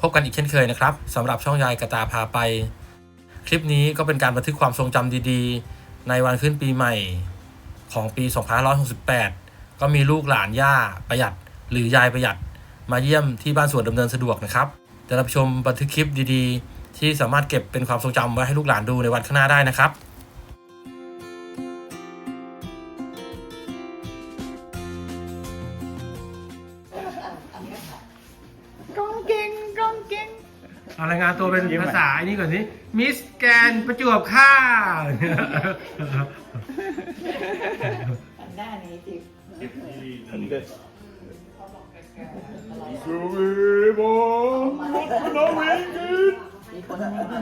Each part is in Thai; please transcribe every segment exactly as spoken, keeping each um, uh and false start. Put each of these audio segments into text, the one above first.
บกันอีกเช่นเคยนะครับสำหรับช่องยายกระตาพาไปคลิปนี้ก็เป็นการบันทึกความทรงจำดีๆในวันขึ้นปีใหม่ของปีสองพันห้าร้อยหกสิบแปดก็มีลูกหลานย่าประหยัดหรือยายประหยัดมาเยี่ยมที่บ้านสวนดำเนินสะดวกนะครับจะรับชมบันทึกคลิปดีๆที่สามารถเก็บเป็นความทรงจำไว้ให้ลูกหลานดูในวันข้างหน้าได้นะครับก้องเก่งก้องเก่งเอารายงานตัวเป็นภาษาอันนี้ก่อนสิมิสแกนประจวบค่ะหน้านี้จิบสุริบงน้องเวงกินมีคนให้มา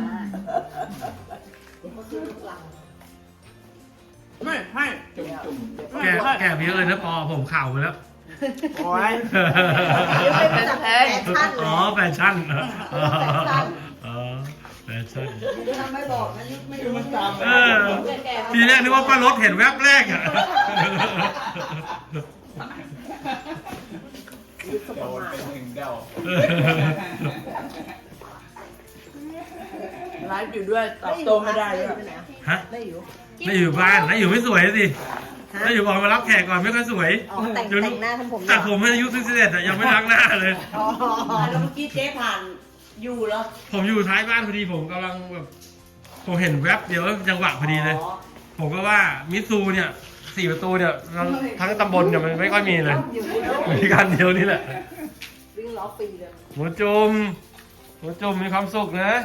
ไม่ให้จุ่มจุ่มแก่แก่เยอะเลยนะปอผมข่าวไปแล้วโอ้ยเป็นแฟชั่นอ๋อแฟชั่นอ๋อแฟชั่นทำไม่บอกนะยุคไม่รู้มันตามเออทีแรกนึกว่าป้ารถเห็นแวบแรกอ่ะโดนเป็นหนึ่งเดาไลฟ์อยู่ด้วยตอบโต้ไม่ได้ด้วยฮะได้อยู่ไม่อยู่บ้านไม่อยู่ไม่สวยสิไม่อยู่บอกมารับแขกก่อนไม่ค่อยสวยอ๋อแต่งแต่งหน้าทำผมแต่ผมอายุสิบเอ็ดแต่ยังไม่ล้างหน้าเลยอ๋อแล้วเมื่อกี้เจ๊ผ่านอยู่แล้วผมอยู่ท้ายบ้านพอดีผมกำลังแบบผมเห็นแวบเดียวจังหวะพอดีเลย ผมก็ว่ามิซูเนี่ยสี่ประตูเนี่ยทั้งทั้งตำบลเนี่ยมันไม่ค่อยมีเลยมีการเดียวนี่แหละวิ่งล้อปีเลยหมูจุ่มหมูจุ่มมีความสุขนะ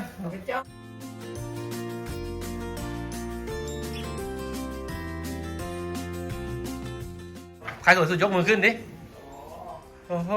ใครสวยสุดยกมือขึ้นดิโอ้โห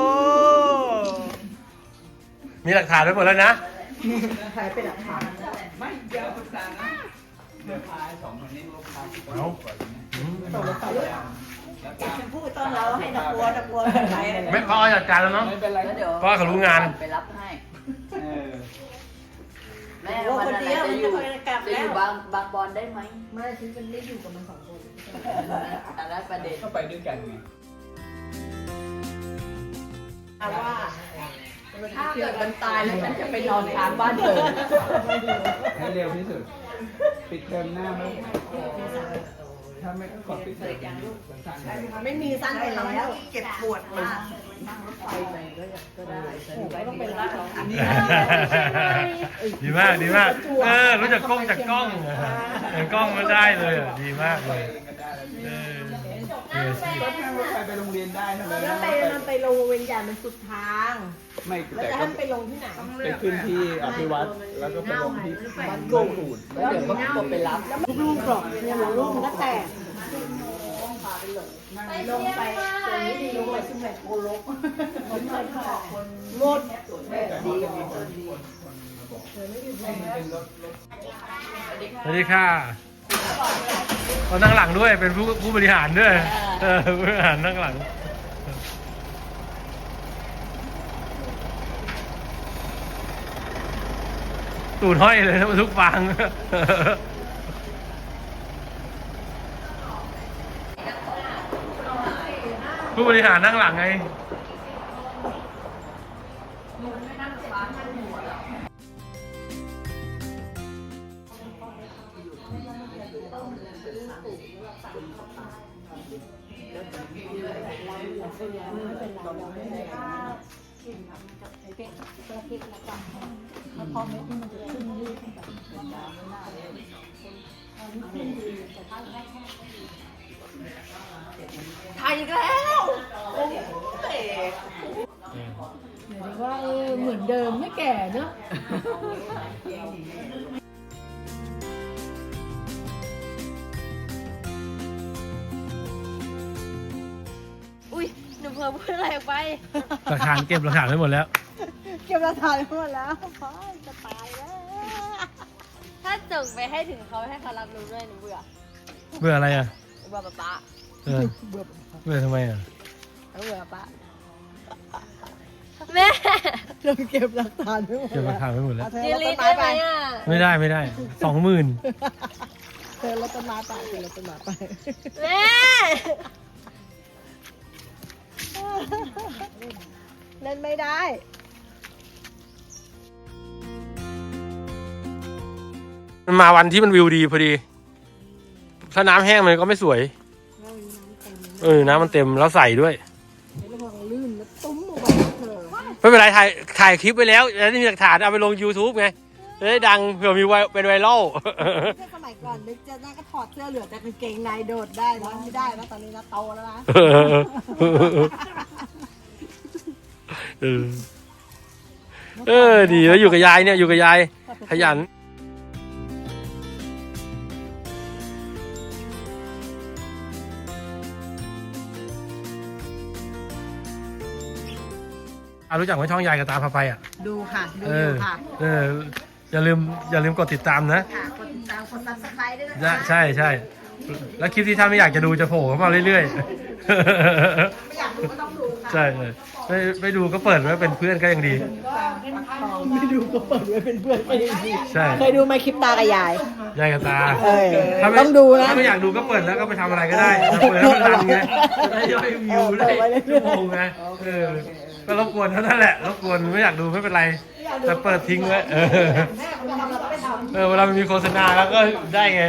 มีหลักฐานไว้หมดแล้วนะใครเป็นหลักฐานไม่เดี๋ยวศึกษานะเดี๋ยวพาสองคนนี้ลูกค้าที่ก่อนเอาตกลงไปด้วยแล้วเก็ตาบมชมพู่ต้นเราให้ตะกัวตะกัวใครไม่พอจัดการแล้วเนาะไม่เป็นไรแล้วเดี๋ยวเพราะว่าเขารู้งานไปรับให้เออแม่วันไหนจะอยู่จะอยู่บางบางบอลได้ไหมไม่ฉันจะไม่อยู่กับมันสองคนแต่ละประเด็นก็ไปด้วยกันไงว่าถ้าเกิดมันตายแล้วฉันจะไปนอนค้างบ้านเกิดให้เร็วที่สุดปิดเทอมหน้าไหมถ้าไม่กดปิดเทอมสั่งเลยไม่มีสั้นไปแล้วเจ็บปวดมากนั่งรถไฟไปก็ก็ได้โอ้ยต้องเป็นร่างของอันนี้ดีมากดีมากเออรู้จักกล้องจากกล้องเห็นกล้องมาได้เลยอ่ะดีมากเลยเออเออรถนั่งรถไฟไปโรงเรียนได้ทำไมแล้วไปมันไปลงเวียนใหญ่มันสุดทางไม่แล้วแต่จะก็ให้ไปลงที่ไหนไปขึ้นที่อภิวัตรแล้วก็ไปลงที่บ้านกูดแล้วเดี๋ยวก็ตัวไปรับลูกๆหรอกเนี่ยลูกมันก็แตกลงไปตรงนี้ดีลงไปซึ่งแบบโกลกหมดดีดีสวัสดีค่ะเรานั่งหลังด้วยเป็นผู้ผู้บริหารด้วยเออผู้บริหารนั่งหลังตูดห้อยเลยนะทุกฟางผู้บริหารนั่งหลังไงถ่ายอีกแล้วโอ้ยว่าเออเหมือนเดิมไม่แก่เนอะอุ้ยหนูเพิ่มพูดอะไรออกไปหลักฐานเก็บหลักฐานไว้หมดแล้วเก็บหลักฐานหมดแล้วพ่อจะตายแล้วถ้าส่งไปให้ถึงเขาให้เขารับรู้ด้วยหนูเบื่อเบื่ออะไรอ่ะหนูเบื่อป๊าป๊าเออเบื่อทำไมอ่ะหนูเบื่อป๊าแม่เราเก็บหลักฐานไว้หมดเก็บหลักฐานไว้หมดแล้วเธอดีรถลีต้ทนไม้ได้ไหมไปอ่ะไม่ได้ไม่ได้สองหมื่นเธอรถต้นไม้ไปเธอรถต้นไม้ไปแม่เล่นไม่ได้มันมาวันที่มันวิวดีพอดี ถ้าน้ำแห้งมันก็ไม่สวย เออ น้ำมันเต็มแล้วใส่ด้วยระวังลื่นแล้วตุ้มลงไปเถอะไม่เป็นไรถ่ายถ่ายคลิปไว้แล้วแล้วมีหลักฐานเอาไปลง YouTube ไงจะได้ดังเผื่อมีไวเป็นไวรัลถ้าสมัยก่อนนึกจะน่าก็ถอดเสื้อเหลือแต่กางเกงในโดดได้นะไม่ได้นะตอนนี้นะโตแล้วนะเออเออดีแล้วอยู่กับยายเนี่ยอยู่กับยายขยันอ่ะรู้จักไหมช่องยายกับตาพาไปอ่ะดูค่ะดูเอออยู่ค่ะเอออย่าลืมอย่าลืมกดติดตามนะค่ะกดติดตามกดซับสไครต์ด้วยนะใช่คะใช่ใช่แล้วคลิปที่ท่านไม่อยากจะดูจะโผล่เข้ามาเรื่อยๆไม่อยากดูก็ต้องดูค่ะใช่เลยไม่ไม่ดูก็เปิดไว้เป็นเพื่อนก็ยังดีไม่ดูก็เปิดไว้เป็นเพื่อนไม่ดีใช่เคยดูไหมคลิปตากับยายยายกับตาเออถ้าไม่ต้องดูนะถ้าไม่อยากดูก็เปิดแล้วก็ไปทำอะไรก็ได้แต่เปิดแล้วมันดังไงได้ยอดวิวได้ชั่วโมงไงเออก็รบกวนเท่านั้นแหละรบกวนไม่อยากดูไม่เป็นไรแต่เปิดทิ้งไว้เออเออเวลามันมีโฆษณาแล้วก็ได้ไง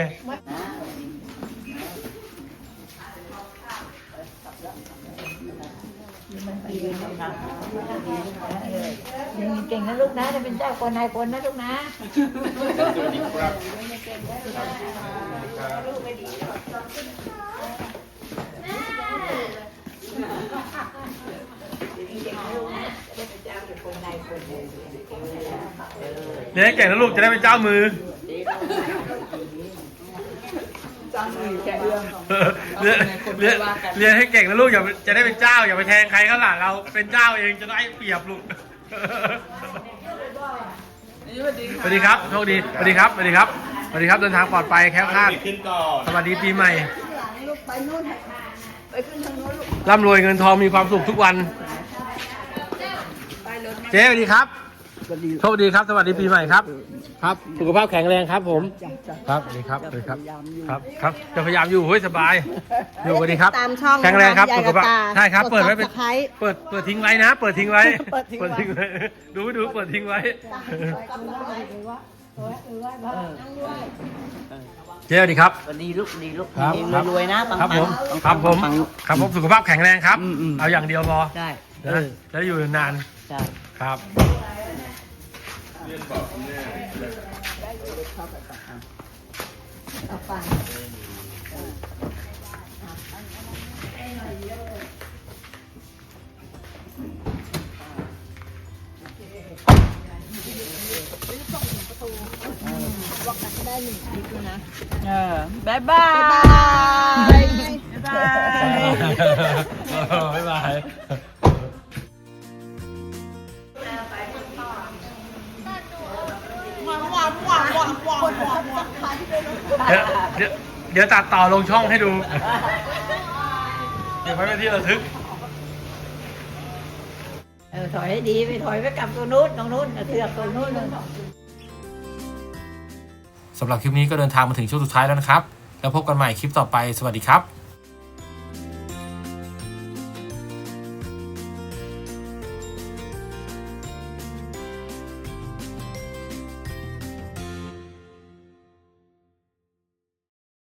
เก่งนะลูกนะจะเป็นเจ้าคนนายคนนะลูกนะเรียนให้เก่งนะลูกจะได้เป็นเจ้ามือเรียนเรียนเรียนให้เก่งนะลูกอย่าจะได้เป็นเจ้าอย่าไปแทงใครข้างหลังเราเป็นเจ้าเองจะได้เปรียบลูกสวัสดีครับโชคดีสวัสดีครับสวัสดีครับสวัสดีครับเดินทางปลอดภัยแคล้วคลาดสวัสดีปีใหม่ลูกไปนู่นไปขึ้นทางนู้นลูกร่ำรวยเงินทองมีความสุขทุกวันเจ๊สวัสดีครับโชคดีครับสวัสดีปีใหม่ครับครับสุขภาพแข็งแรงครับผมครับสวัสดีครับสวัสดีครับครับครับจะพยายามอยู่เฮ้ยสบายอยู่สวัสดีครับตามช่องแข็งแรงครับยายสุขกับภาพตาใช่ครับเปิดไว้เป็นก Subscribe เปิดเปิดทิ้งไว้นะ เปิดทิ้งไว้เปิดทิ้งไว้ไว้ดูดูเปิดทิ้งไว้เจ๊สวัสดีครับวันนี้ลูกดีลูกครับดีครับรวยๆนะปังๆครับผมปังๆครับผมปังครับผมสุขภาพแข็งแรงครับอืมอืมเอาอย่างเดียวพอๆได้นะจะได้อยู่นานใช่ครับเอาไปเออบายบายบ๊ายบายบ๊ายบายเดี๋ยวเดี๋ยวเดี๋ยวตัดต่อลงช่องให้ดู เดี๋ยวไว้เป็นที่ระทึกเออถอยให้ดีไปถอยไปกลับตรงนู้นตรงนู้นเสือกตรงนู้นเลยสำหรับคลิปนี้ก็เดินทางมาถึงช่วงสุดท้ายแล้วนะครับ แล้วพบกันใหม่คลิปต่อไป สวัสดีครับ